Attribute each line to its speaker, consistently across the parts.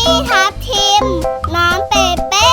Speaker 1: พี่ทับทิมน้องเปเป้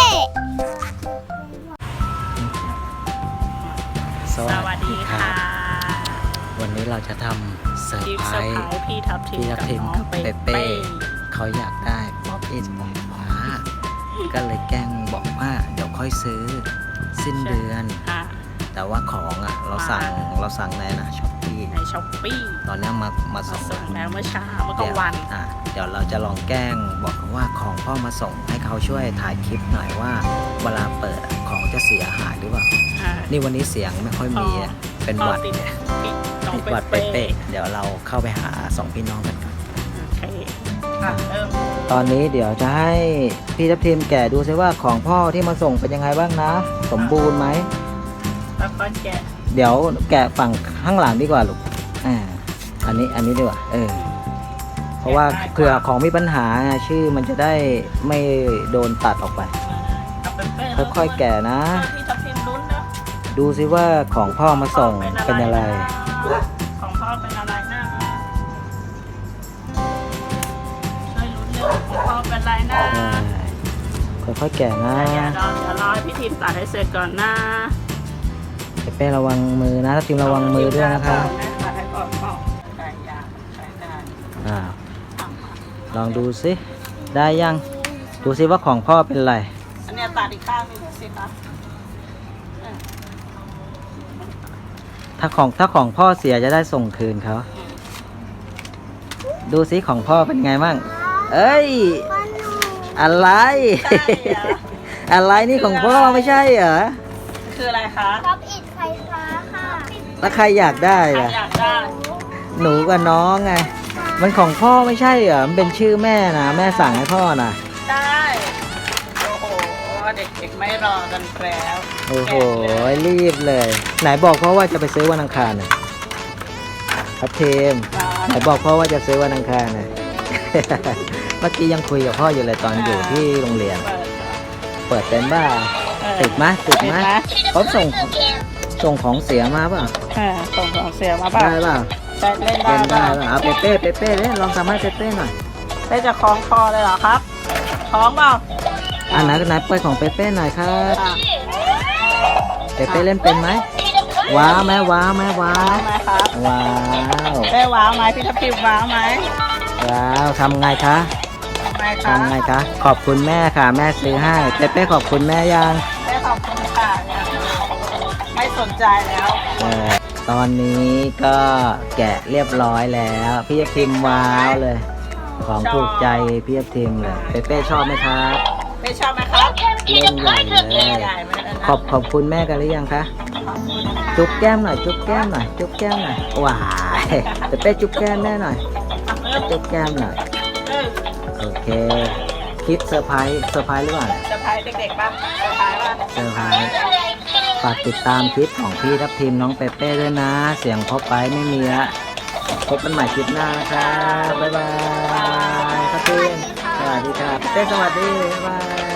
Speaker 2: สวัสดีค่ะวันนี้เราจะทำเซอร์ไพรส์
Speaker 3: พี่ทับทิม
Speaker 2: กับเปเป้เขาอยากได้ป๊อปอินของฟ้าก็เลยแกล้งบอกว่าเดี๋ยวค่อยซื้อสิ้นเดือนแต่ว่าของอ่ะเราสั่งในช้อปปี้ตอนนี้มาส่ง
Speaker 3: แล้วเมื่อเช้าเมื่อกลางวัน
Speaker 2: เดี๋ยวเราจะลองแกล้งบอกว่าของพ่อมาส่งให้เขาช่วยถ่ายคลิปหน่อยว่าเวลาเปิดของจะเสียหายหรือเปล่านี่วันนี้เสียงไม่ค่อยมีเป็นหวัดติดหวัดเป๊ะเดี๋ยวเราเข้าไปหาสองพี่น้องกันก่อนตอนนี้เดี๋ยวจะให้พี่ทัพทิมแกะดูซิว่าของพ่อที่มาส่งเป็นยังไงบ้างนะสมบูรณ์ไหม
Speaker 3: แล้วก็แกะ
Speaker 2: เดี๋ยวแกะฝั่งข้างหลังดีกว่าลูกอันนี้ดีกว่าเพราะว่าเผื่อของมีปัญหาชื่อมันจะได้ไม่โดนตัดออกไปค่อยๆแกะนะดูซิว่าของพ่อมาส่งเป็นอะไร
Speaker 3: ของพ่อเป็นอะไรนะช่วยลุ้นเรื่องของพ่อเป็นอะไรนะ
Speaker 2: ค่อยๆแกะนะ
Speaker 3: เดี๋ยวรอให้พี่ทีมตัดให้เสร็จก่อนนะ
Speaker 2: เป้ระวังมือนะทีมระวังมือด้วยนะคะลองดูซิได้ยังดูซิว่าของพ่อเป็นอะไร
Speaker 3: อันนี้ตัดอีกข้างนึงสิคะ
Speaker 2: ถ้าของพ่อเสียจะได้ส่งคืนเขาดูซิของพ่อเป็นไงมั่งเอ้ยอะไรอะไรนี่ของพ่อไม่ใช่เหรอ
Speaker 3: คืออะไรคะ
Speaker 1: ป๊อปอินไฟฟ้าค่ะ
Speaker 2: แล้วใครอยากได้ล่ะหนูกับน้องไงมันของพ่อไม่ใช่เหรอมันเป็นชื่อแม่นะแม่สั่งให้พ่อนะ
Speaker 3: ได้โอ้โหเด็กๆไม่รอกันแล้ว
Speaker 2: โอ้โหรีบเลยไหนบอกพ่อว่าจะไปซื้อวันอังคารนะครับเทมไหนบอกพ่อว่าจะซื้อวันอังคารนะเมื่อกี้ยังคุยกับพ่ออยู่เลยตอนอยู่ที่โรงเรียนเปิดเป็นบ้าติดไหมเขาส่งของเสียมาเปล่า
Speaker 3: ส่งของเสียมาเปล่า
Speaker 2: ได้เปล่า
Speaker 3: เล่นได้
Speaker 2: เปล่าเอาเป้เล่นลองทำให้เป้หน่อย
Speaker 3: เป้จะคล้องคอเลยเหรอครับคล้องเปล่า
Speaker 2: ไหนเปิดของเป้หน่อยครับเป้เล่นเป็นไหมว้าวไหม
Speaker 3: ครับว้าวเป้ว้าวไหมพี่ทัพทิมว้าวไหม
Speaker 2: ว้าวทำไงคะขอบคุณแม่ค่ะแม่ซื้อให้เป้ขอบคุณแม่ยัง
Speaker 3: เป้ขอบคุณค่ะไม่สนใจแล้ว
Speaker 2: ตอนนี้ก็แกะเรียบร้อยแล้วพี่ทัพทิมว้าวเลยของถูกใจพี่ทัพทิมเลยเป้ชอบไหมครับ
Speaker 3: เป้ชอบไหมครับ
Speaker 2: เล่นใหญ่เลยขอบคุณแม่กันหรือยังคะจุ๊บแก้มหน่อยว้ายเป้จุ๊บแก้มแม่หน่อยจุ๊บแก้มหน่อยโอเคคิดเซอร์ไพรส์หรือเปล่า
Speaker 3: เซอร์ไพรส์เด็กๆป่ะเซอร์ไพรส์
Speaker 2: ฝากติดตามคลิปของพี่ทัพทิมน้องเปเป้ด้วยนะเสียงพอไปไม่มีละพบกันใหม่คลิปหน้านะครับบ๊ายบายทัพทิมสวัสดีครับเป้สวัสดีบ๊ายบาย